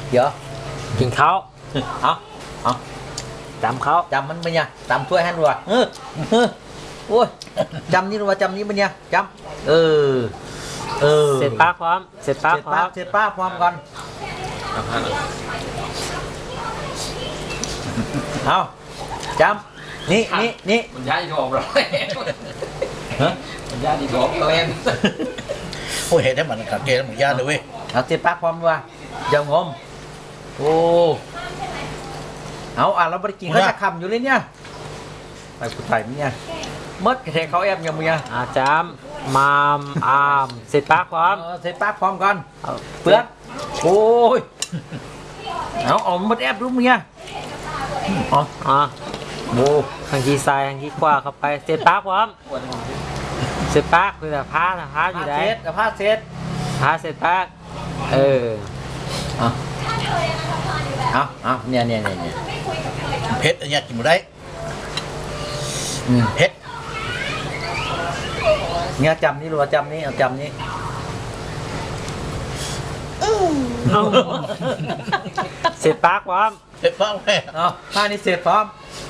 เดี๋ยวกินข้าวเอาจำเขาจำมันเป็นยังจำถ้วยให้ดูว่ะโอ้ยจำนี่ดูว่าจำนี้เป็นยังจำเเสร็จป้าพร้อมเสร็จป้าพร้อมเสร็จป้าพร้อมกันเอาจำนี่มันย้ายทองเรามันย้ายทองเล่นโอ้เห็นได้มันขัดเกณฑ์หมึงย่านเลยเว้ยเอาเสร็จป้าพร้อมว่ะอย่างงมโอ้เอาเราไม่ได้กินเขาจะคำอยู่เลยเนี่ยไปผู้ไทยมั้ยเนี่ยมดเทเขาแอบยังมึงยังจำมามอามเสร็จป้าพร้อมเสร็จป้าพร้อมกันเปลือกโอ้ยเอามดแอบรู้มึงยังโบทางที่ซ้ายทางที่ขวาเข้าไปเสร็จป้าพร้อมเสร็จป้าคือแต่ผ้าอยู่ไหนผ้าเซ็ตผ้าเสร็จป้าเอาเนี่ยเพชรอันนี้กินหมดได้เพชรเนี่ยจำนี่รัวจำนี่เอาจำนี่เสร็จป้าพร้อมเพชรฟ้าแม่เอาผ้านี่เสร็จพร้อม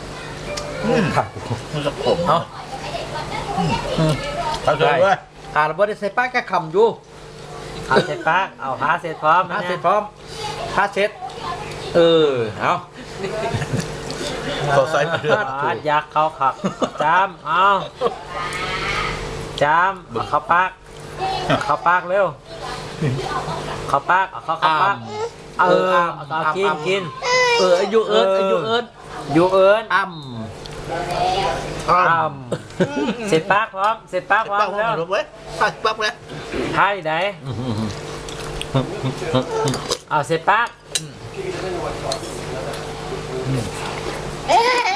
มันจะขมเอาเขาเลยเว้ยเราไม่ได้ใส่ป้าแค่คำอยู่เอาเสร็จป้าเอาผ้าเสร็จพร้อมผ้าเสร็จพร้อมผ้าเซ็ตเอาเขาใส่มาเดือดยักษ์เขาขับจำเอาจำเข้าปากเร็วเข้าปากเอาเข้าปากเอากินอายุเอิญเสร็จปากพร้อมเสร็จปากพร้อมแล้วเว้ยปั๊บเลยให้ไหนเอาเสร็จปาก